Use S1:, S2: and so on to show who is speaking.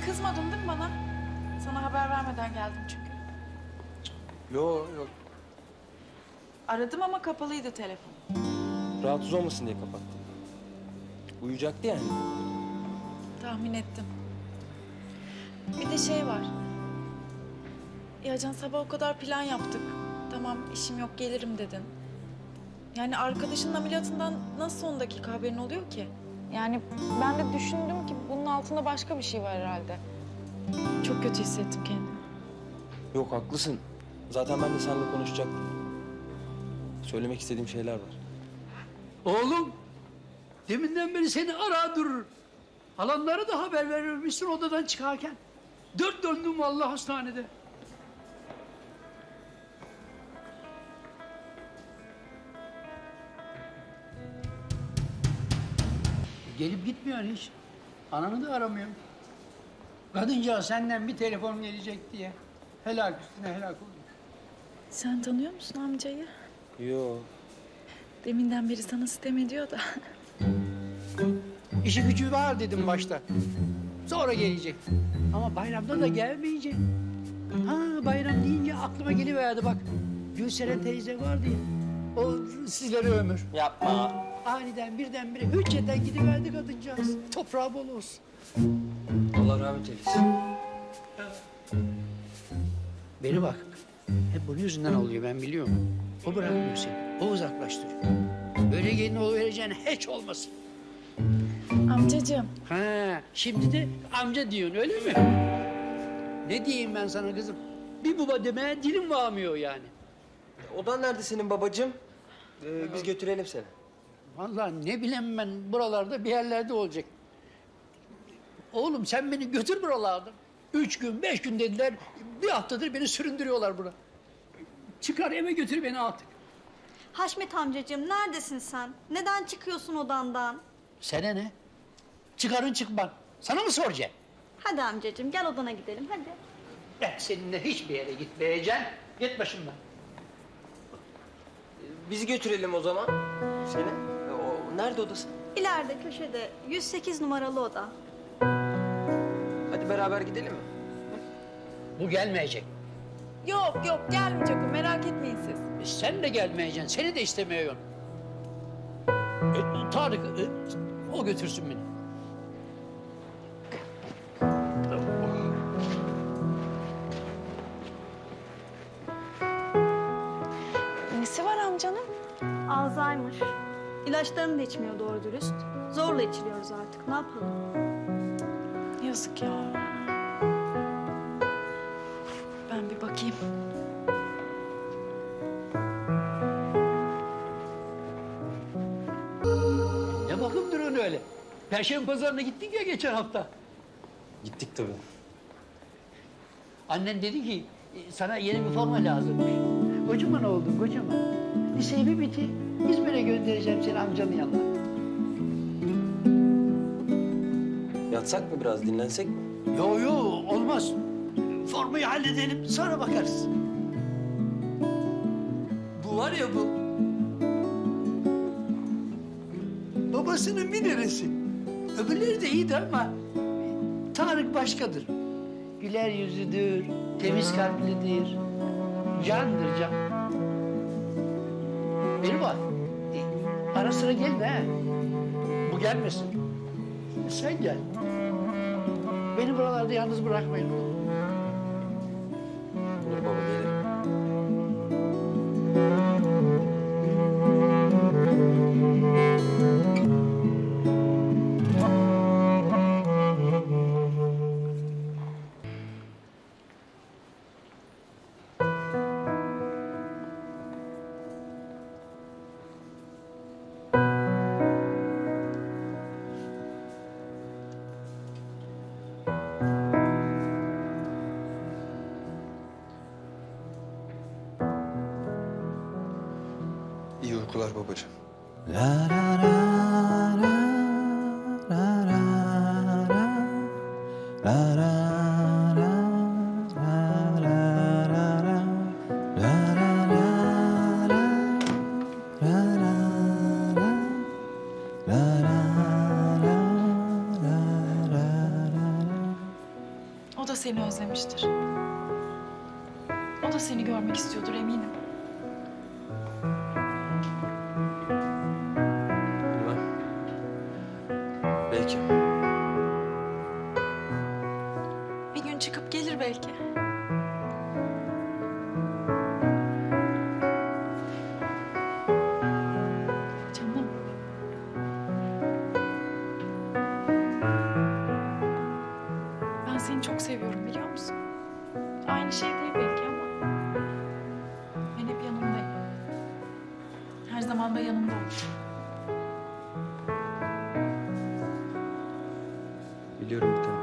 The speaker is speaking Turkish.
S1: kızmadın değil mi bana? Sana haber vermeden geldim çünkü.
S2: Yok yok.
S1: Aradım ama kapalıydı telefon.
S2: Rahatsız olmasın diye kapattım. Uyuyacaktı yani.
S1: Tahmin ettim. Bir de şey var. Ya Can, sabah o kadar plan yaptık. Tamam, işim yok, gelirim dedin. Yani arkadaşının ameliyatından nasıl son dakika haberin oluyor ki? Yani ben de düşündüm ki bunun altında başka bir şey var herhalde. Çok kötü hissettim kendimi.
S2: Yok haklısın. Zaten ben de seninle konuşacaktım. Söylemek istediğim şeyler var.
S3: Oğlum, deminden beri seni ara durur. Halanlara da haber vermişsin odadan çıkarken. Dört döndüm vallahi hastanede. Gelip gitmiyor hiç. Ananı da aramıyor. Kadıncağız senden bir telefon gelecek diye. Helak üstüne helak oldu.
S1: Sen tanıyor musun amcayı?
S2: Yok.
S1: Deminden beri sana sitem ediyor da.
S3: İşi gücü var dedim başta. Sonra gelecek. Ama bayramda da gelmeyecek. Ha, bayram deyince aklıma geliverdi bak. Gülseren teyze vardı ya. O sizlere ömür.
S2: Yapma.
S3: Aniden birdenbire hücceten gidiverdi kadıncağız. Toprağı bol olsun.
S2: Allah rahmet eylesin.
S3: Beni bak. Hep bunun yüzünden oluyor ben biliyorum. O bırakmıyor seni. O uzaklaştırıyor. Böyle gelin oluvereceğine hiç olmasın.
S1: Amcacığım.
S3: Ha, şimdi de amca diyorsun öyle mi? Ne diyeyim ben sana kızım? Bir baba demeye dilim varmıyor yani.
S2: Odan nerede senin babacığım? Biz götürelim seni.
S3: Vallahi ne bileyim ben buralarda bir yerlerde olacak. Oğlum sen beni götür buralardan. 3 gün, 5 gün dediler. Bir haftadır beni süründürüyorlar buna. Çıkar eve götür beni artık.
S4: Haşmet amcacığım neredesin sen? Neden çıkıyorsun odandan?
S3: Sana ne? Çıkarın çıkman. Sana mı soracağım?
S4: Hadi amcacığım gel odana gidelim hadi.
S3: Ben seninle hiçbir yere gitmeyeceğim. Git başımdan.
S2: Biz götürelim o zaman seni. Nerede odası?
S4: İleride köşede 108 numaralı oda.
S2: Hadi beraber gidelim mi?
S3: Bu gelmeyecek.
S1: Yok yok, gelmeyecek o, merak etmeyin siz.
S3: Sen de gelmeyeceksin. Seni de istemiyorum. Tarık, o götürsün beni.
S1: Nesi var amcanın?
S4: Alzheimer. İlaçlarını da içmiyor doğru dürüst. Zorla içiriyoruz artık ne yapalım?
S1: Yazık ya. Ben bir bakayım.
S3: Ne bakım duruyorsun öyle? Perşembe pazarına gittik ya geçen hafta.
S2: Gittik tabii.
S3: Annen dedi ki sana yeni bir forma lazımmış. Kocaman oldun kocaman. Liseyi bir bitir. İzmir'e göndereceğim seni amcanın yanına.
S2: Yatsak mı biraz, dinlensek mi?
S3: Yo yo olmaz. Formayı halledelim sonra bakarız. Bu var ya bu. Babasının bir neresi. Öbürleri de iyiydi ama Tarık başkadır. Güler yüzlüdür, temiz kalplidir. Candır can. Beni bak. Ara sıra gelme ha. Bu gelmesin. Sen gel. Beni buralarda yalnız bırakmayın.
S2: Olur baba, gelirim.
S5: İyi uykular babacığım.
S1: O da seni özlemiştir. O da seni görmek istiyordur eminim.
S2: Bilmem. Belki.
S1: Bir gün çıkıp gelir belki. Canım. Ben seni çok seviyorum biliyor musun? Aynı şey değil belki ama ben hep yanındayım. Her zaman da yanında olacağım.
S2: Biliyorum bir tanem.